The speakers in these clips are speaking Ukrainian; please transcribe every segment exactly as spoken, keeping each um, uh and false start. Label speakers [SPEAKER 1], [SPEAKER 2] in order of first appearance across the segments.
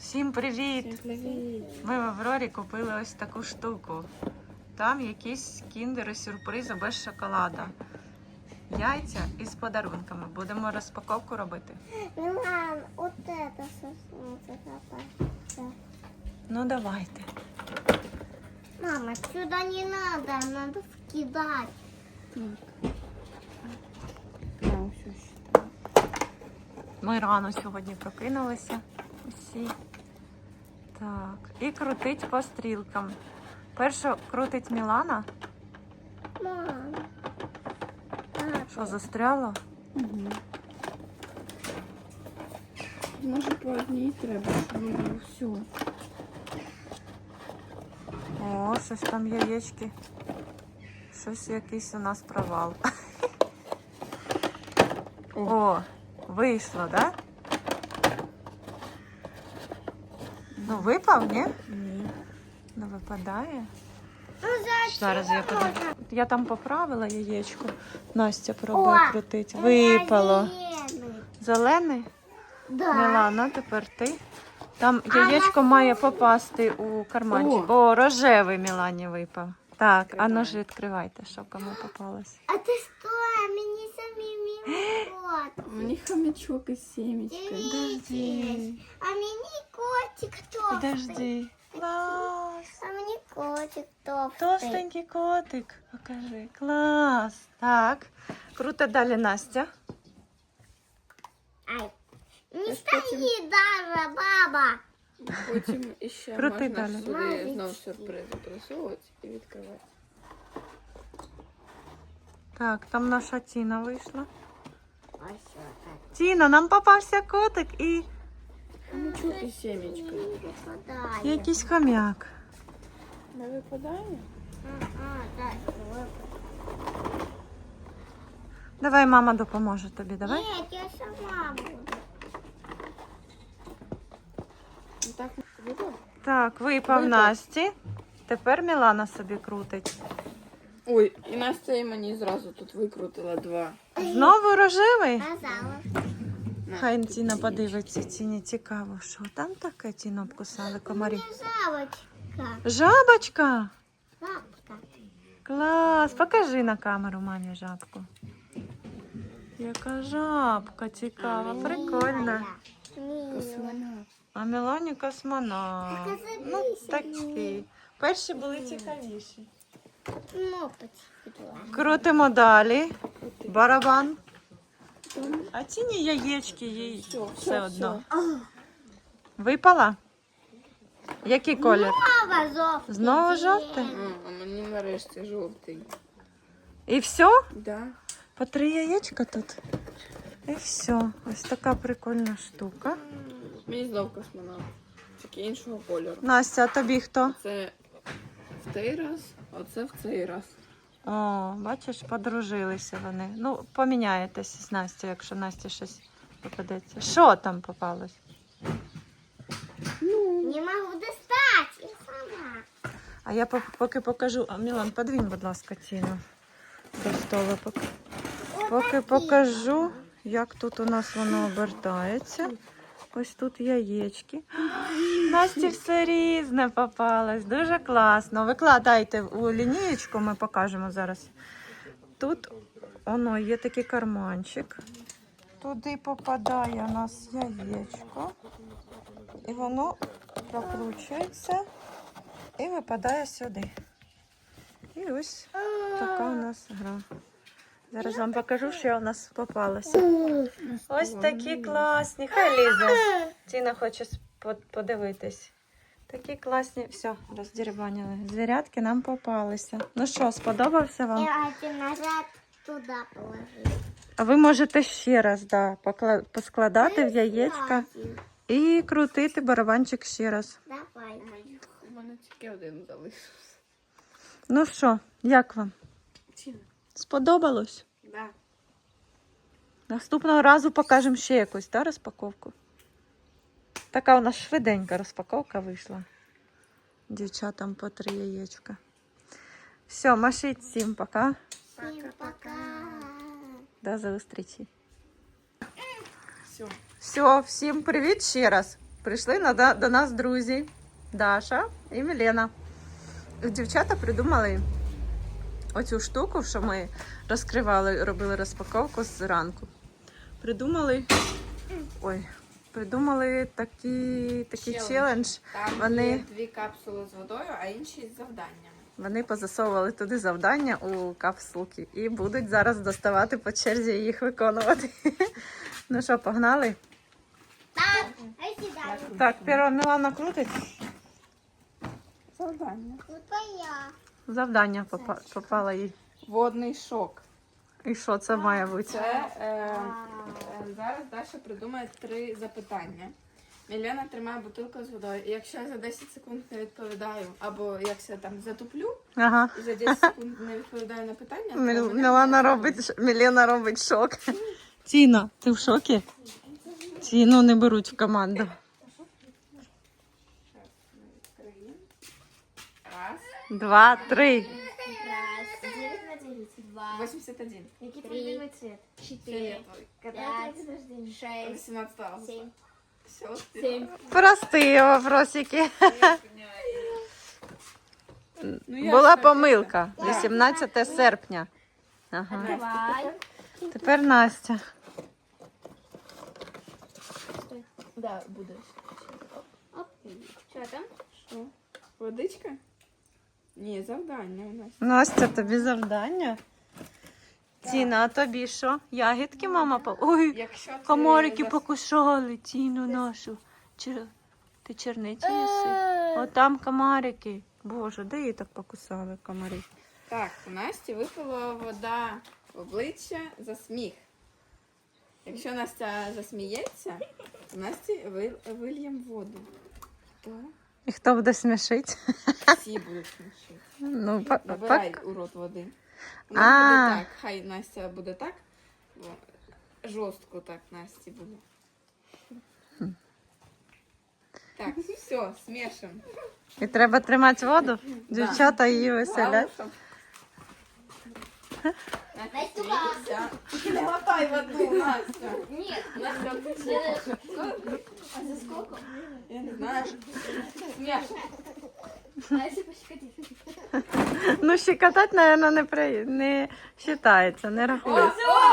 [SPEAKER 1] Всім привіт!
[SPEAKER 2] Всім привіт!
[SPEAKER 1] Ми в Аврорі купили ось таку штуку. Там якісь кіндери, сюрпризи без шоколада. Яйця із подарунками. Будемо розпаковку робити.
[SPEAKER 2] Милан, вот это соснулся.
[SPEAKER 1] Ну давайте.
[SPEAKER 2] Мама, сюда не надо, надо скидать.
[SPEAKER 1] Ми рано сьогодні прокинулися усі. Так, і крутить по стрілкам. Першу крутить Мілана.
[SPEAKER 2] Мам.
[SPEAKER 1] Що, застряло?
[SPEAKER 3] Угу. Може по одній треба, щоб було все.
[SPEAKER 1] О, щось там яєчки. Щось якийсь у нас провал.
[SPEAKER 3] О,
[SPEAKER 1] О, вийшло, да? Ну, випав, ні?
[SPEAKER 3] ні.
[SPEAKER 1] Не випадає.
[SPEAKER 2] Ну, зачем?
[SPEAKER 1] Зараз я подивлюсь. Я там поправила яєчко. Настя пробує
[SPEAKER 2] О,
[SPEAKER 1] крутить. Випало.
[SPEAKER 2] зеленый.
[SPEAKER 1] Зелений?
[SPEAKER 2] Да.
[SPEAKER 1] Мілана, тепер ти. Там
[SPEAKER 2] А
[SPEAKER 1] яєчко
[SPEAKER 2] на
[SPEAKER 1] має попасти у карманчик. О, рожевий Мілані випав. Так, а ну ж відкривайте, що кому попалось.
[SPEAKER 2] А ты что? Мне самим кот.
[SPEAKER 3] Мені хомячок із сімечкою.
[SPEAKER 1] Подожди.
[SPEAKER 2] А мне котик толстый.
[SPEAKER 1] Подожди. Клас.
[SPEAKER 2] А мне котик толстый.
[SPEAKER 1] Товстенький котик. Покажи. Клас. Так. Круто далі, Настя.
[SPEAKER 2] Ай. Не
[SPEAKER 3] Аж
[SPEAKER 2] стоит даже, баба.
[SPEAKER 3] Потім ще
[SPEAKER 1] Крути
[SPEAKER 3] можна
[SPEAKER 1] далі.
[SPEAKER 3] сюди знову сюрпризи просовувати і відкривати.
[SPEAKER 1] Так, там наша Тіна вийшла.
[SPEAKER 2] Ось так.
[SPEAKER 1] Тіна, нам попався котик і
[SPEAKER 3] Хомячок із сімечкою.
[SPEAKER 2] Випадає.
[SPEAKER 1] якийсь хомяк.
[SPEAKER 3] Не випадає?
[SPEAKER 2] Ага, так, випадає.
[SPEAKER 1] Давай, мама допоможе тобі, давай.
[SPEAKER 2] Ні, я сама буду.
[SPEAKER 3] Ну так випав?
[SPEAKER 1] Так, випав
[SPEAKER 3] Випав.
[SPEAKER 1] Насті. Тепер Мілана собі крутить.
[SPEAKER 3] Ой, і Настя і мені зразу тут викрутила два.
[SPEAKER 1] Знову рожевий?
[SPEAKER 2] Казала.
[SPEAKER 3] На,
[SPEAKER 1] Хай
[SPEAKER 3] тут
[SPEAKER 1] Тіна
[SPEAKER 3] сімечка.
[SPEAKER 1] подивиться, Тіні цікаво, що там таке Тіну обкусали комарі.
[SPEAKER 2] Жабочка.
[SPEAKER 1] Жабочка!
[SPEAKER 2] Жабка.
[SPEAKER 1] Клас! Покажи на камеру мамі жабку. Яка жабка цікава, прикольна.
[SPEAKER 2] Мила.
[SPEAKER 3] Космонавт.
[SPEAKER 1] А Мілані космонавт.
[SPEAKER 2] Так, а
[SPEAKER 1] Ну,
[SPEAKER 2] забійся.
[SPEAKER 1] такі. Перші були цікавіші.
[SPEAKER 2] Ну, почему?
[SPEAKER 1] Крутимо далі. Барабан. А Тіні яєчки їй
[SPEAKER 3] Все, все,
[SPEAKER 1] все одно.
[SPEAKER 3] все.
[SPEAKER 1] Випала? Який колір?
[SPEAKER 2] Снова жовтий.
[SPEAKER 1] Знову жовтий?
[SPEAKER 3] М, А мені нарешті жовтий.
[SPEAKER 1] І все?
[SPEAKER 3] Да.
[SPEAKER 1] По три яєчка тут. І все. Ось така прикольна штука.
[SPEAKER 3] Мені знов космонавт. Тільки іншого кольору.
[SPEAKER 1] Настя, а тобі хто?
[SPEAKER 3] Це в цей раз, а це в цей раз.
[SPEAKER 1] О, бачиш, подружилися вони. Ну, поміняєтесь з Настю, якщо Насті щось попадеться. Що там попалось?
[SPEAKER 2] Не можу достати. Я сама.
[SPEAKER 1] А я по- поки покажу. А, Мілан, подвінь, будь ласка, Тіну до стола. Поки, поки покажу, як тут у нас воно обертається. Ось тут яєчки. Насті все різне попалось. Дуже класно. Викладайте у лінієчку, ми покажемо зараз. Тут воно є такий карманчик. Туди попадає у нас яєчко. І воно прокручується і випадає сюди. І ось така у нас гра. Зараз вам покажу, що у нас попалося. Ось такі класні. Хай лізе. Тіна хоче спо- подивитись. Такі класні. Все, роздірбанили. Звірятки нам попалися. Ну що, сподобався вам?
[SPEAKER 2] Я один назад туди положила.
[SPEAKER 1] А ви можете ще раз да, покла- поскладати в яєчка і крутити барабанчик ще раз.
[SPEAKER 2] Давай.
[SPEAKER 3] У мене тільки один залишився.
[SPEAKER 1] Ну що, як вам?
[SPEAKER 3] Тіна.
[SPEAKER 1] Сподобалось?
[SPEAKER 3] Да.
[SPEAKER 1] Наступного разу покажемо ще якусь да, розпаковку. Така у нас швиденька розпаковка вийшла. Дівчатам по три яєчка. Все, машіть всім пока.
[SPEAKER 2] Всім пока.
[SPEAKER 1] До зустрічі.
[SPEAKER 3] Все.
[SPEAKER 1] Все, всім привіт ще раз. Прийшли на, до, до нас друзі Даша і Мілена. Дівчата придумали оцю штуку, що ми розкривали, робили розпаковку зранку. Придумали. Ой, придумали такий, такий
[SPEAKER 3] Челендж.
[SPEAKER 1] челендж.
[SPEAKER 3] Там
[SPEAKER 1] Вони-
[SPEAKER 3] є дві капсули з водою, а інші з завданнями.
[SPEAKER 1] Вони позасовували туди завдання у капсулки і будуть зараз доставати по черзі і їх виконувати. Ну що, погнали?
[SPEAKER 2] Так, а сюда.
[SPEAKER 1] Так, перша Мілана крутить.
[SPEAKER 3] Завдання.
[SPEAKER 2] Вот я.
[SPEAKER 1] Завдання попа- попало їй.
[SPEAKER 3] Водний шок.
[SPEAKER 1] І що це має бути?
[SPEAKER 3] Це е, е, зараз Даша придумає три запитання. Мілена тримає бутилку з водою. І якщо я за десять секунд не відповідаю, або якщо я там затуплю
[SPEAKER 1] Ага.
[SPEAKER 3] і за десять секунд не відповідаю на питання, то
[SPEAKER 1] Міл-
[SPEAKER 3] мене
[SPEAKER 1] Мілана
[SPEAKER 3] не
[SPEAKER 1] робить, ш- Мілена робить шок. Тіна, ти в шокі? Тіну не беруть в команду.
[SPEAKER 3] Щас ми відкриємо. Раз.
[SPEAKER 1] Два, три.
[SPEAKER 2] Раз, девять на девять, два,
[SPEAKER 3] вісімдесят один.
[SPEAKER 2] какие твой любимый цвет? Четыре,
[SPEAKER 3] Фіолетовий.
[SPEAKER 2] пять, шесть,
[SPEAKER 3] вісімнадцять августа.
[SPEAKER 2] семь,
[SPEAKER 3] Все,
[SPEAKER 2] семь.
[SPEAKER 1] Прості вопросики.
[SPEAKER 3] Ну, я
[SPEAKER 1] Була
[SPEAKER 3] ж
[SPEAKER 1] помилка.
[SPEAKER 3] Так.
[SPEAKER 1] вісімнадцяте серпня. Ага.
[SPEAKER 2] Давай.
[SPEAKER 1] Тепер Настя.
[SPEAKER 3] Да, будеш.
[SPEAKER 2] Оп. Что там?
[SPEAKER 3] Що? Водичка? Ні, завдання у нас.
[SPEAKER 1] Настя, тобі завдання. Тіна, а тобі що? Ягідки мама по. Ой,
[SPEAKER 3] Якщо ти
[SPEAKER 1] комарики
[SPEAKER 3] зас-
[SPEAKER 1] покусали Тіну нашу. Чер... Ти черниці їси? О, там комарики. Боже, де її так покусали комарі?
[SPEAKER 3] Так, у Насті випала вода в обличчя за сміх. Якщо Настя засміється, то Насті ви- вильєм воду. То
[SPEAKER 1] І хто буде смішити?
[SPEAKER 3] всі будуть смішити.
[SPEAKER 1] Ну, па-
[SPEAKER 3] Набирай
[SPEAKER 1] пак.
[SPEAKER 3] у рот води. У нас
[SPEAKER 1] А.
[SPEAKER 3] буде так. Хай Настя буде так. бо Жорстко так Насті буде. Так, все, смішимо.
[SPEAKER 1] І треба тримати воду. Дівчата її веселять.
[SPEAKER 3] Настя, смійся. Не глотай воду, Настя.
[SPEAKER 2] Нет,
[SPEAKER 3] Настя,
[SPEAKER 2] а за сколько?
[SPEAKER 3] я не знаю. Смішно.
[SPEAKER 2] А если пощекотить?
[SPEAKER 1] Ну, щекотати, мабуть, не, при... не вважається, не рахується.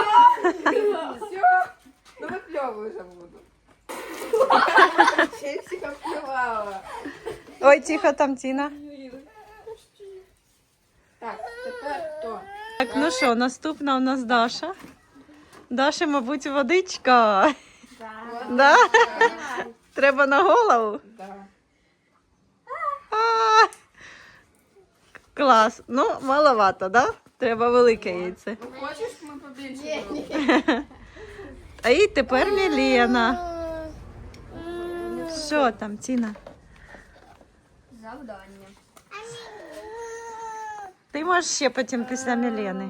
[SPEAKER 3] Все. Ну выплевывай уже воду. Ще й всіх обплювала.
[SPEAKER 1] Ой, тихо, там Тіна.
[SPEAKER 3] Так, тепер хто?
[SPEAKER 1] Так, ну що, наступна у нас Даша. Даша, мабуть, водичка.
[SPEAKER 2] Да.
[SPEAKER 1] Да? Треба на голову.
[SPEAKER 3] Да.
[SPEAKER 1] А, клас. Ну, маловато, да? Треба велике яйце.
[SPEAKER 3] Ну хочеш, ми побільше зробимо?
[SPEAKER 1] А і тепер Мілена. Що там, Тіна?
[SPEAKER 2] Завдання.
[SPEAKER 1] Ти можеш ще потім після Мілени.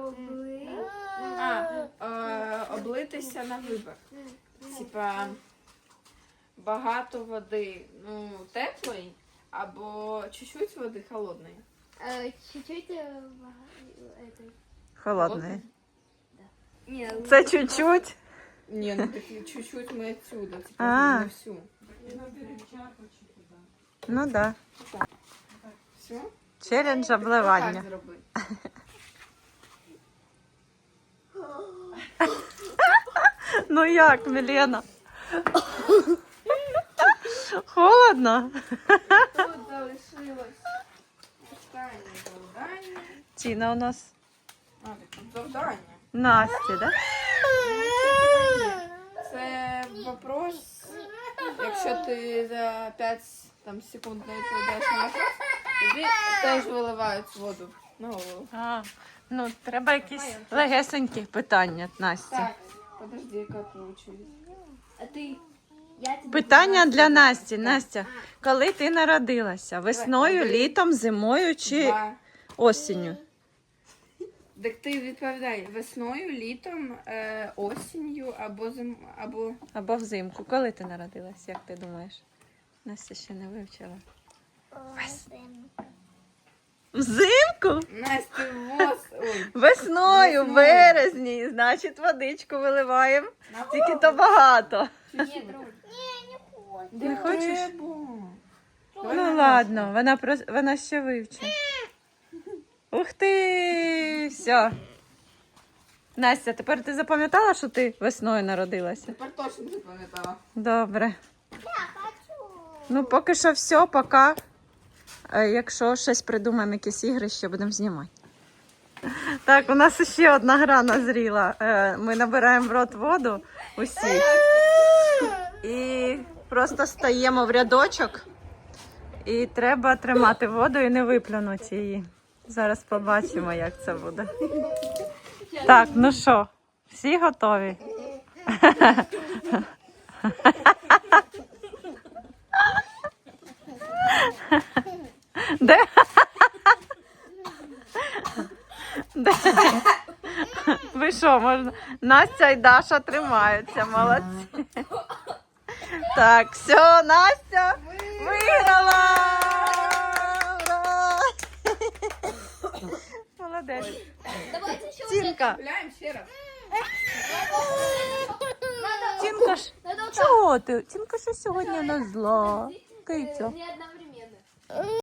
[SPEAKER 3] А, е, облитися на вибір. Типа багато води, ну, теплої, або чуть-чуть води холодної.
[SPEAKER 2] Э, Чуть-чуть э, в- этой.
[SPEAKER 1] Холодне.
[SPEAKER 2] Не,
[SPEAKER 1] Це чуть-чуть.
[SPEAKER 3] Ні, ну такі чуть-чуть ми отсюда, типа
[SPEAKER 1] А.
[SPEAKER 3] не всю.
[SPEAKER 1] Ну да.
[SPEAKER 3] Все?
[SPEAKER 1] Челендж
[SPEAKER 3] Так
[SPEAKER 1] обливання.
[SPEAKER 3] зроби.
[SPEAKER 1] Ну як, Мілена? Холодно?
[SPEAKER 3] Тут залишилось останнє завдання.
[SPEAKER 1] Тіна у нас
[SPEAKER 3] А, так тут завдання.
[SPEAKER 1] Насті, да?
[SPEAKER 3] Це вопрос, якщо ти за п'ять там, секунд не відповідаєш на вопрос, тобі теж виливають воду на голову.
[SPEAKER 1] А, ну, треба якісь легесенькі питання, Насті.
[SPEAKER 3] Так, подожди, яка очередь.
[SPEAKER 2] А ты? Я тебе
[SPEAKER 1] Питання для Насті. Настя, коли ти народилася? Весною, літом, зимою чи
[SPEAKER 3] Два.
[SPEAKER 1] осінню?
[SPEAKER 3] Так ти відповідай весною, літом, е, осінню або зим... або
[SPEAKER 1] Або взимку. Коли ти народилась, як ти думаєш? Настя ще не вивчила. Взимку?
[SPEAKER 3] Настя воз. Ой.
[SPEAKER 1] Весною, в
[SPEAKER 3] Весною.
[SPEAKER 1] березні, значить водичку виливаємо. Тільки то багато.
[SPEAKER 2] Нет, Руль. Не, не хочу.
[SPEAKER 1] Не хочеш?
[SPEAKER 3] Треба. Давай
[SPEAKER 1] Ну
[SPEAKER 3] на
[SPEAKER 1] ладно, вона прос- вона ще вивчить. Ух ти! Все. Настя, тепер ти запам'ятала, що ти весною народилася?
[SPEAKER 3] Тепер точно запам'ятала.
[SPEAKER 1] Добре.
[SPEAKER 2] Я хочу.
[SPEAKER 1] Ну, поки що все, пока. Е, Якщо щось придумаємо, якісь ігри, ще будемо знімати. Так, у нас ще одна гра назріла. Е, Ми набираємо в рот воду усі. І просто стаємо в рядочок. І треба тримати воду і не виплюнути її. Зараз побачимо, як це буде. Так, ну що, всі готові? Де? Де? Ви що, можна? Настя і Даша тримаються, молодці. Так, все, Настя виграла! Ура! Молодець.
[SPEAKER 2] Давайте еще
[SPEAKER 1] Тінка,
[SPEAKER 3] Гуляємо ще раз.
[SPEAKER 1] Тінка ж, чого ти? Тінка що сьогодні не зла. Киця.
[SPEAKER 2] не одновременно.